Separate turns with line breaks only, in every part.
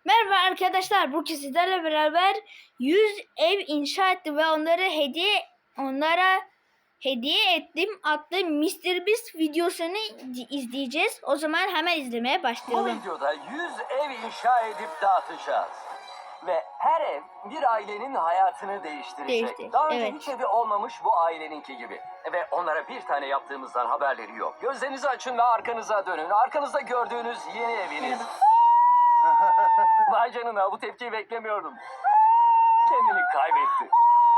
Merhaba arkadaşlar. Bugün sizlerle beraber 100 ev inşa ettim ve onlara hediye ettim adlı Mr. Beast videosunu izleyeceğiz. O zaman hemen izlemeye
Bu
başlayalım.
videoda 100 ev inşa edip dağıtacağız. Ve her ev bir ailenin hayatını değiştirecek.
Değiştirecek,
Daha önce
evet.
hiç evi olmamış bu aileninki gibi. Ve onlara bir tane yaptığımızdan haberleri yok. Gözlerinizi açın ve arkanıza dönün. Arkanızda gördüğünüz yeni eviniz. Vay canına, bu tepkiyi beklemiyordum. Kendini kaybetti.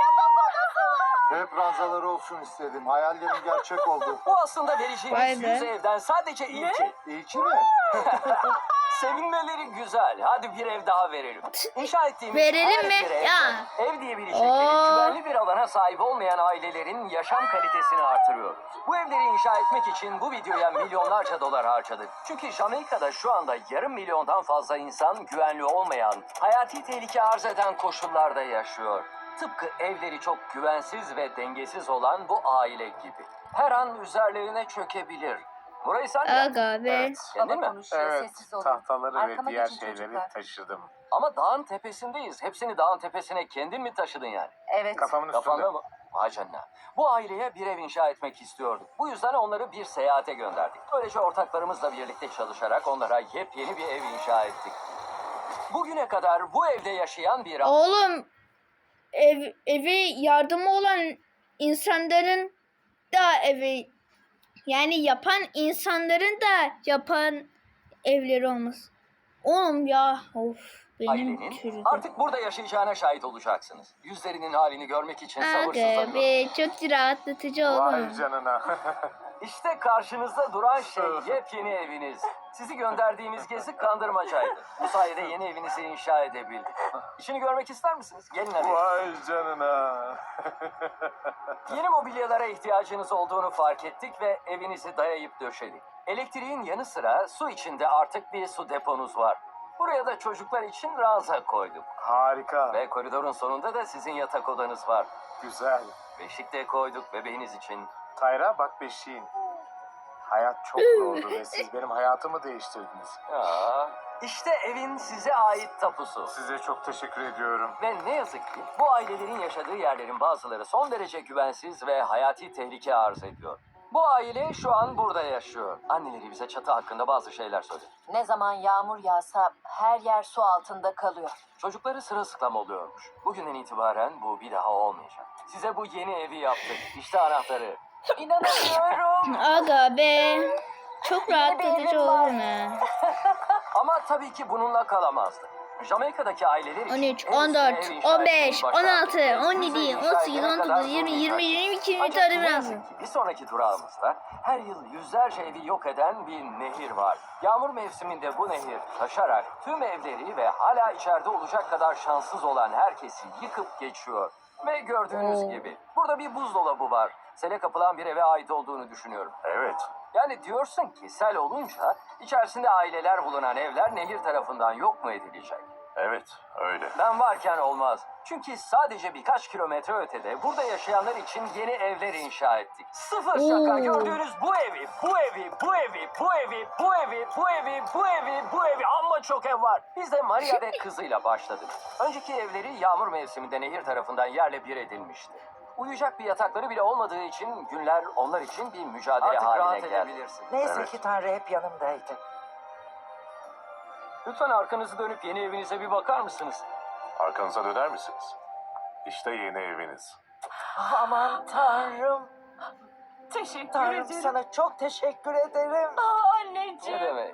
Hep ranzaları olsun istedim. Hayallerim gerçek oldu.
Bu aslında
Vay
vereceğimiz
be.
100 evden sadece ilki.
İlki mi?
Sevinmeleri güzel. Hadi bir ev daha verelim. İnşa ettiğimiz
Verelim
her
mi?
bir evde
Ya.
ev diyebilecekleri
Oo.
güvenli bir alana sahip olmayan ailelerin yaşam kalitesini artırıyoruz. Bu evleri inşa etmek için bu videoya milyonlarca dolar harcadık. Çünkü Jamaika'da şu anda yarım milyondan fazla insan güvenli olmayan, hayati tehlike arz eden koşullarda yaşıyor. Tıpkı evleri çok güvensiz ve dengesiz olan bu aile gibi. Her an üzerlerine çökebilir. Burayı sen yap.
Aga be.
Evet.
Kendin mi?
Konuşuyor,
Evet,
sessiz olun.
tahtaları
Arkama
ve diğer
geçin
şeyleri
çocuklar.
taşıdım.
Ama dağın tepesindeyiz. Hepsini dağın tepesine kendin mi taşıdın yani?
Evet.
Kafamın üstünde.
Kafanda mı? Vay canına. Bu aileye bir ev inşa etmek istiyorduk. Bu yüzden onları bir seyahate gönderdik. Böylece ortaklarımızla birlikte çalışarak onlara yepyeni bir ev inşa ettik. Bugüne kadar bu evde yaşayan bir
Oğlum evi yardımı olan insanların da evi, yani yapan insanların da yapan evleri olmaz. Oğlum ya, of, benim
ailenin
çürüdü.
artık burada yaşayacağına şahit olacaksınız. Yüzlerinin halini görmek için
Aga
sabırsızlanıyorum.
be, çok rahatlatıcı
Vay
oğlum.
canına.
İşte karşınızda duran şey yepyeni eviniz. Sizi gönderdiğimiz gezi kandırmacaydı. Bu sayede yeni evinizi inşa edebildik. İçini görmek ister misiniz? Gelin hadi.
Vay canına.
Yeni mobilyalara ihtiyacınız olduğunu fark ettik ve evinizi dayayıp döşedik. Elektriğin yanı sıra su içinde artık bir su deponuz var. Buraya da çocuklar için ranza koyduk.
Harika.
Ve koridorun sonunda da sizin yatak odanız var.
Güzel.
Beşik de koyduk bebeğiniz için.
Tayra bak beşiğin. Hayat çok zordu ve siz benim hayatımı değiştirdiniz.
Ya, işte evin size ait tapusu.
Size çok teşekkür ediyorum.
Ve ne yazık ki bu ailelerin yaşadığı yerlerin bazıları son derece güvensiz ve hayati tehlike arz ediyor. Bu aile şu an burada yaşıyor. Anneleri bize çatı hakkında bazı şeyler söyledi.
Ne zaman yağmur yağsa her yer su altında kalıyor.
Çocukları sırılsıklam oluyormuş. Bugünden itibaren bu bir daha olmayacak. Size bu yeni evi yaptık. İşte anahtarı.
İnanamıyorum.
Aga be, çok rahatlatıcı
evim var.
oğlum ya.
Ama tabii ki bununla kalamazdık. Jamaika'daki aileler için
13,
en üstüne
14,
ev inşa
15,
etmeyi başardık.
16,
Ve
17,
bize inşa
18,
edene
19,
kadar
20, 20,
zorlayacak.
22, 23
Ancak
tane
ne
lazım.
yazık ki bir sonraki durağımızda her yıl yüzlerce evi yok eden bir nehir var. Yağmur mevsiminde bu nehir taşarak tüm evleri ve hala içeride olacak kadar şanssız olan herkesi yıkıp geçiyor. Ve gördüğünüz
Oo.
gibi burada bir buzdolabı var. Sele kapılan bir eve ait olduğunu düşünüyorum.
Evet.
Yani diyorsun ki sel olunca içerisinde aileler bulunan evler nehir tarafından yok mu edilecek?
Evet, öyle.
Ben varken olmaz. Çünkü sadece birkaç kilometre ötede burada yaşayanlar için yeni evler inşa ettik. Sıfır şaka.
Oo.
Gördüğünüz bu evi, bu evi, bu evi, bu evi, bu evi, bu evi, bu evi, bu evi. Amma çok ev var. Biz de Maria ve kızıyla başladık. Önceki evleri yağmur mevsiminde nehir tarafından yerle bir edilmişti. Uyuyacak bir yatakları bile olmadığı için günler onlar için bir mücadele haline geldi.
Neyse
Evet.
ki Tanrı hep yanımdaydı.
Lütfen arkanızı dönüp yeni evinize bir bakar mısınız?
Arkanıza döner misiniz? İşte yeni eviniz.
Aman Tanrım.
Teşekkür
Tanrım
ederim.
sana çok teşekkür ederim.
Anneciğim.
Ne demek?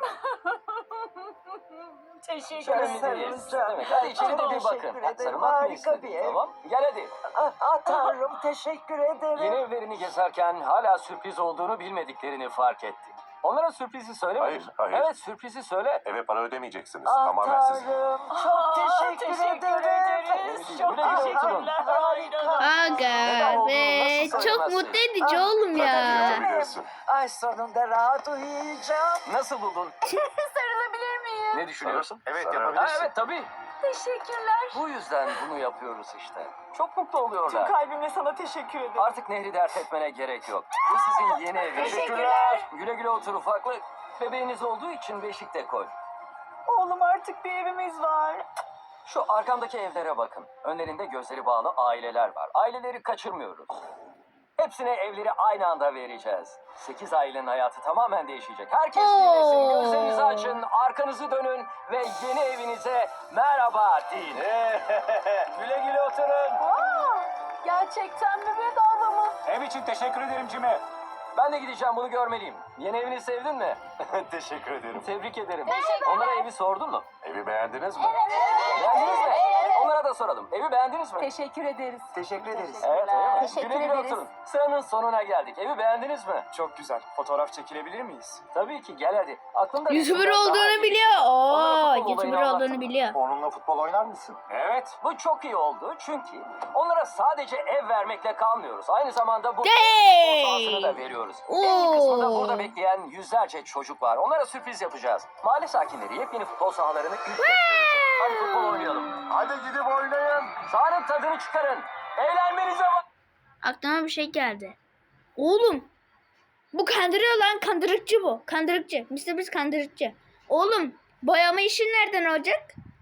Teşekkür
Şöyle
ederim.
mi
sarılacağım.
değil? Demek. Hadi içeri de bir
Teşekkür
bakın.
ederim.
Sarılmak mı
Harika
istedin?
bir ev.
Tamam. Gel hadi.
Tanrım teşekkür ederim.
Yeni evlerini gezerken hala sürpriz olduğunu bilmediklerini fark ettik. Onlara sürprizi söylemedin mi?
Hayır.
Evet, sürprizi söyle.
Eve para ödemeyeceksiniz.
Tanrım çok teşekkür ederim.
ederiz. Çok
Güle güle oturun.
teşekkürler. Harika.
Aga
olduğunu
be,
nasıl
çok
söylemezsin?
mutlu edici oğlum ya.
Ay sonunda rahat uyuyacağım.
Nasıl buldun?
Sarılabilir miyim?
Ne düşünüyorsun?
Evet,
Ha,
yapabilirsin.
evet tabii.
Teşekkürler.
Bu yüzden bunu yapıyoruz işte. Çok mutlu oluyorlar.
kalbimle sana teşekkür ederim.
Artık nehri dert etmene gerek yok. Bu sizin yeni eviniz.
Teşekkürler.
Güle güle otur ufaklık. Bebeğiniz olduğu için beşik de koy.
Oğlum artık bir evimiz var.
Şu arkamdaki evlere bakın. Önlerinde gözleri bağlı aileler var. Aileleri kaçırmıyoruz. Hepsine evleri aynı anda vereceğiz. 8 ailenin hayatı tamamen değişecek. Herkes dinlesin, gözlerinizi açın, arkanızı dönün ve yeni evinize merhaba deyin. Güle güle oturun.
Gerçekten mi bedava mı?
Ev için teşekkür ederim Jimmy.
Ben de gideceğim, bunu görmeliyim. Yeni evini sevdin mi?
Teşekkür ederim.
Tebrik ederim.
Teşekkürler.
Onlara evi sordun mu?
Evi beğendiniz mi?
Beğendiniz mi? Onlara da soralım. Evi beğendiniz mi?
Teşekkür ederiz.
Teşekkür ederiz.
Evet, öyle mi?
Teşekkür
Güle güle
ederiz.
oturun. Sıranın sonuna geldik. Evi beğendiniz mi?
Çok güzel. Fotoğraf çekilebilir miyiz?
Tabii ki, gel hadi. Aklımda
YouTuber
resimler daha
olduğunu
iyi.
biliyor.
Onlara futbol
YouTuber
olayını
olduğunu
anlattım.
biliyor.
Onunla futbol oynar mısın? Evet.
Bu çok iyi oldu çünkü onlara sadece ev vermekle kalmıyoruz. Aynı zamanda bu
Hey!
futbol sahasını da veriyoruz. En iyi kısmında
Oo.
burada bekleyen yüzlerce çocuk var. Onlara sürpriz yapacağız. Mahalle sakinleri yepyeni futbol sahalarını ilk kez görecek. Hadi futbol oynayalım.
Hadi gidip oynayın.
Sahanın tadını çıkarın. Eğlenmenize bak.
Aklıma bir şey geldi. Oğlum. Bu kandırıyor lan. Kandırıkçı bu. Kandırıkçı. Mr. Kandırıkçı. Oğlum. Boyama işin nereden olacak?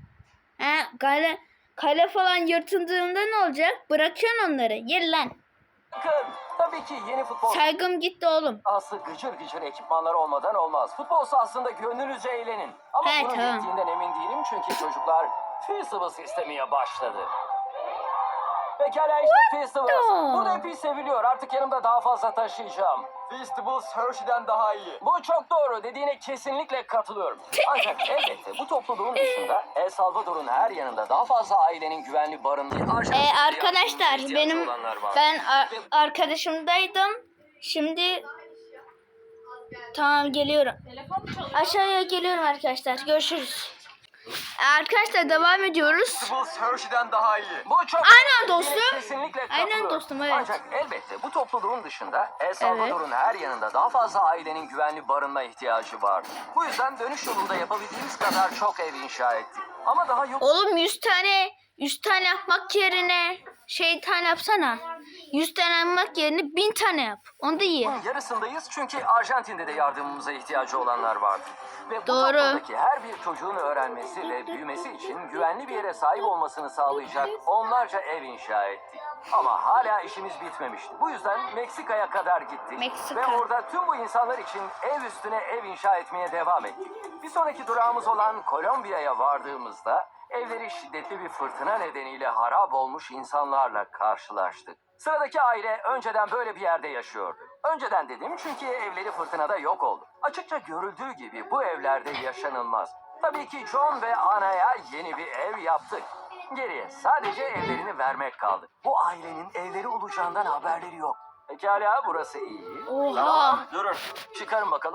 Kale falan yırtıldığında ne olacak? Bırakıyorsun onları. Yer lan.
Bakın, tabii ki yeni futbol
Saygım gitti oğlum.
sahası gıcır gıcır ekipmanları olmadan olmaz. Futbol sahasında gönlünüzce eğlenin. Ama
He,
bunun
tamam.
yettiğinden emin değilim çünkü çocuklar Festivals istemeye başladı. Pekala işte Festivals.
the?
Burada epey seviliyor. Artık yanımda daha fazla taşıyacağım. Festivals Hershey'den daha iyi. Bu çok doğru. Dediğine kesinlikle katılıyorum. Ancak elbette bu topluluğun dışında El Salvador'un her yanında daha fazla ailenin güvenli barındığı
Arkadaşlar benim arkadaşımdaydım. Şimdi tamam geliyorum. Aşağıya geliyorum arkadaşlar. Görüşürüz. Arkadaşlar devam ediyoruz.
Festivals Hershey'den daha iyi. Bu çok
Aynen
doğru.
dostum.
Dediğine kesinlikle
Aynen
katılıyorum.
dostum, evet.
Ancak elbette bu topluluğun dışında El Salvador'un her yanında daha fazla ailenin güvenli barınma ihtiyacı var. Bu yüzden dönüş yolunda yapabildiğimiz kadar çok ev inşa ettik. Ama daha yok.
Oğlum 100 tane yapmak yerine tane yapsana. 100 tane yapmak yerine 1000 tane yap. Onu da iyi.
Yarısındayız çünkü Arjantin'de de yardımımıza ihtiyacı olanlar vardı. Ve bu
Doğru.
toplumdaki her bir çocuğun öğrenmesi ve büyümesi için güvenli bir yere sahip olmasını sağlayacak onlarca ev inşa ettik. Ama hala işimiz bitmemişti. Bu yüzden Meksika'ya kadar gittik.
Meksika.
Ve orada tüm bu insanlar için ev üstüne ev inşa etmeye devam ettik. Bir sonraki durağımız olan Kolombiya'ya vardığımızda evleri şiddetli bir fırtına nedeniyle harap olmuş insanlarla karşılaştık. Sıradaki aile önceden böyle bir yerde yaşıyordu. Önceden dedim çünkü evleri fırtınada yok oldu. Açıkça görüldüğü gibi bu evlerde yaşanılmaz. Tabii ki John ve Ana'ya yeni bir ev yaptık. Geriye sadece evlerini vermek kaldı. Bu ailenin evleri olacağından haberleri yok. Pekala, burası iyi.
Oha.
Tamam, durun. Çıkarın bakalım.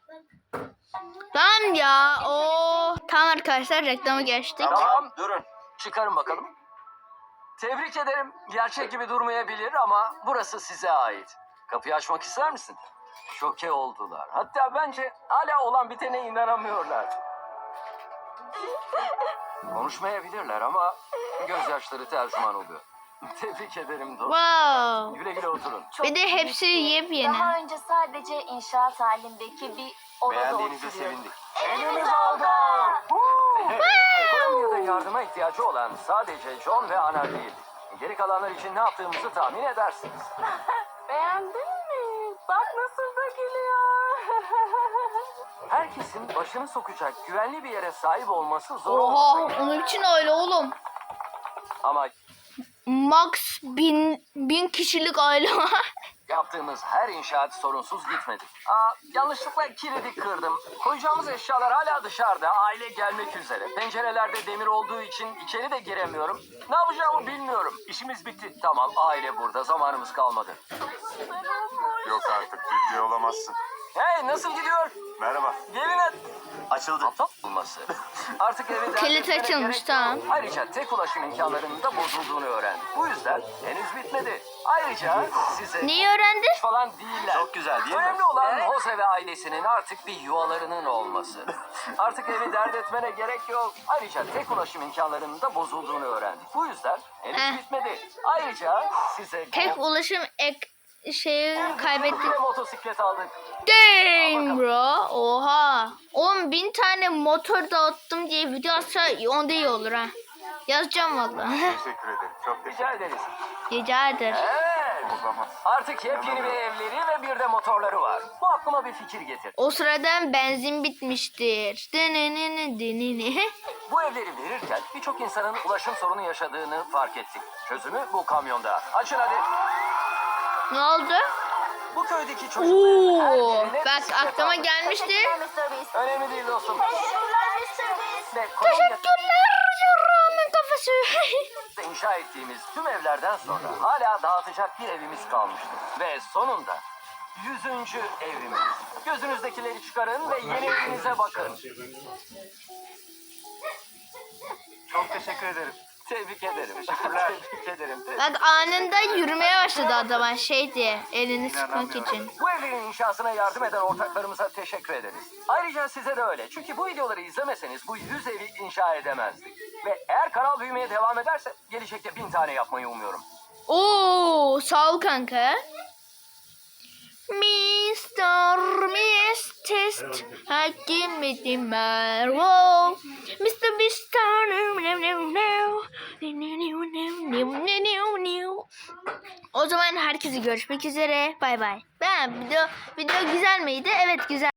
Tamam ya. Tamam arkadaşlar reklamı geçtik.
Tamam, durun. Çıkarın bakalım. Tebrik ederim. Gerçek gibi durmayabilir ama burası size ait. Kapıyı açmak ister misin? Şoke oldular. Hatta bence hala olan bitene inanamıyorlar. Konuşmayabilirler ama gözyaşları tercüman oluyor. Tebrik ederim dostum.
Wow.
Güle güle oturun.
Bir de hepsi yepyeni.
Daha önce sadece inşaat halindeki bir odada
Beğendiğinize
oturuyorduk.
sevindik.
Evimiz oldu.
Kolombiya'da yardıma ihtiyacı olan sadece John ve Ana değil. Geri kalanlar için ne yaptığımızı tahmin edersiniz.
Beğendin mi? Bak nasıl da gülüyor.
Herkesin başını sokacak güvenli bir yere sahip olması zor
Oha
olmasa gerek.
onun için öyle oğlum.
Ama
Max 1000 kişilik aile var.
yaptığımız her inşaat sorunsuz gitmedi. Yanlışlıkla kilidi kırdım. Koyacağımız eşyalar hala dışarıda. Aile gelmek üzere. Pencerelerde demir olduğu için içeri de giremiyorum. Ne yapacağımı bilmiyorum. İşimiz bitti. Tamam, aile burada. Zamanımız kalmadı.
Yok artık ciddi olamazsın.
Hey, nasıl gidiyor?
Merhaba.
Gelin hadi.
Açıldı.
Aptal olması. Artık evi
Kilit
dert etmene
açılmış,
gerek
tamam.
yok. Ayrıca tek ulaşım imkanlarının da bozulduğunu öğrendim. Bu yüzden henüz bitmedi. Ayrıca size
Neyi öğrendi?
falan değiller.
Çok güzel değil mi?
Önemli olan Jose ve ailesinin artık bir yuvalarının olması. Artık evi dert etmene gerek yok. Ayrıca tek ulaşım imkanlarının da bozulduğunu öğrendik. Bu yüzden henüz
Eh.
bitmedi. Ayrıca size
Tek ulaşım şeyi kaybettik.
Ve motosiklet aldık.
Dang bro. Oha. 10.000 tane motor dağıttım diye video atsa onda iyi olur ha. Yazacağım valla.
Teşekkür ederim. Çok
Rica ederiz.
Rica ederim.
Evet.
Olamaz.
Artık yepyeni bir evleri ve bir de motorları var. Bu aklıma bir fikir getir.
O sırada benzin bitmiştir.
Bu evleri verirken birçok insanın ulaşım sorunu yaşadığını fark ettik. Çözümü bu kamyonda. Açın hadi.
Ne oldu?
Bu köydeki çocukların her
Oo,
yerine
bak
bisiklet
aklıma
aldık.
gelmişti.
Mr. Beast.
Önemli değil dostum.
Teşekkürler Mr. Beast.
Ve Kolonya
Teşekkürler yarrağımın kafası.
inşa ettiğimiz tüm evlerden sonra hala dağıtacak bir evimiz kalmıştı. Ve sonunda 100. evimiz. Gözünüzdekileri çıkarın ve yeni evinize bakın.
Çok teşekkür ederim.
Tebrik ederim.
Teşekkürler.
Tebrik ederim.
Bak anında yürümeye başladı adama şey diye elini sıkmak için.
Bu evlerin inşasına yardım eden ortaklarımıza teşekkür ederiz. Ayrıca size de öyle. Çünkü bu videoları izlemeseniz bu 100 evi inşa edemezdik. Ve eğer kanal büyümeye devam ederse gelecekte 1000 tane yapmayı umuyorum.
Oo, sağ ol kanka. Mr. Mist Hakimeti Mervo Mr. Beast O zaman herkese görüşmek üzere. Bay bay. Video güzel miydi? Evet güzel.